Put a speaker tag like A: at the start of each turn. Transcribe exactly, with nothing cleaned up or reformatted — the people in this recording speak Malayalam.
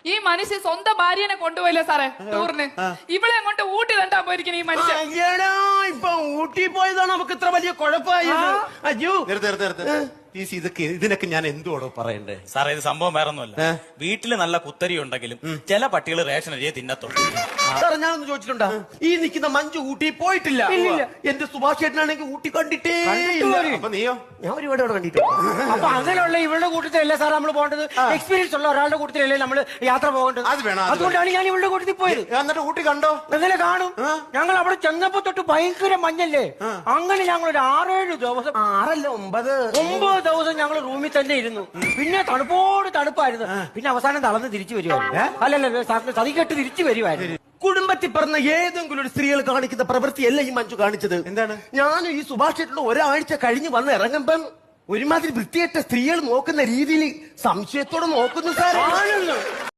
A: ഈ മനുഷ്യ സ്വന്തം ഭാര്യനെ കൊണ്ടുപോയില്ലേ സാറേ ടൂറിന്? ഇവിടെ അങ്ങോട്ട് ഊട്ടി തണ്ടാ പോയിരിക്കണ ഈ മനുഷ്യൻ.
B: ഇപ്പൊ ഊട്ടി പോയതാണ് നമുക്ക് ഇത്ര വലിയ കുഴപ്പമായത്. അയ്യോ
C: ഇതൊക്കെ ഇതിനൊക്കെ ഞാൻ എന്തുവാടോ പറയണ്ടേ?
D: സാറേ ഇത് സംഭവം വേറെ ഒന്നുമല്ല. വീട്ടില് നല്ല കുത്തരി ഉണ്ടെങ്കിലും ചില പട്ടികൾ റേഷൻ അരിയെ തിന്നത്തുള്ളൂ.
B: സാറേ ഞാനൊന്ന് ചോദിച്ചിട്ടുണ്ടാ, ഈ നിൽക്കുന്ന മഞ്ജു ഊട്ടി പോയിട്ടില്ല. എന്റെ സുഭാഷ് ചേട്ടനാണെങ്കിൽ ഊട്ടി കണ്ടിട്ടേ ഇല്ല.
C: അപ്പൊ നീയോ?
B: ഞാൻ ഒരുപാട് അവിടെ കണ്ടിട്ടില്ല.
E: അപ്പൊ അങ്ങനെയുള്ള ഇവളുടെ കൂട്ടത്തിലല്ലേ സാർ നമ്മൾ പോകേണ്ടത്? എക്സ്പീരിയൻസ് ഉള്ള ഒരാളുടെ കൂട്ടത്തിലല്ലേ നമ്മൾ യാത്ര പോകേണ്ടത്?
C: അത് വേണം.
E: അതുകൊണ്ടാണ് ഞാൻ ഇവളുടെ കൂട്ടത്തിൽ പോയത്.
C: എന്നിട്ട് ഊട്ടി കണ്ടോ?
E: എങ്ങനെ കാണും? ഞങ്ങൾ അവിടെ ചെന്നപ്പോ തൊട്ട് ഭയങ്കര മഞ്ഞല്ലേ. അങ്ങനെ ഞങ്ങൾ ഒരു ആറേഴ് ദിവസം,
B: ആറല്ല ഒമ്പത്
E: ഒമ്പത് ദിവസം ഞങ്ങൾ റൂമിൽ തന്നെ ഇരുന്നു. പിന്നെ തണുപ്പോട് തണുപ്പായിരുന്നു. പിന്നെ അവസാനം തളർന്ന് തിരിച്ചു വരുവായിരുന്നു. അല്ലല്ല സതികെട്ട് തിരിച്ചു വരുവായിരുന്നു.
B: കുടുംബത്തിൽ പറഞ്ഞ ഏതെങ്കിലും ഒരു സ്ത്രീകൾ കാണിക്കുന്ന പ്രവൃത്തിയല്ല ഈ മഞ്ജു കാണിച്ചത്.
C: എന്താണ്?
B: ഞാൻ ഈ സുഭാഷ് ചേട്ടന്റെ ഒരാഴ്ച കഴിഞ്ഞ് വന്ന് ഇറങ്ങുമ്പം ഒരുമാതിരി വൃത്തിയേറ്റ സ്ത്രീകൾ നോക്കുന്ന രീതിയിൽ സംശയത്തോടെ നോക്കുന്നു സാർ.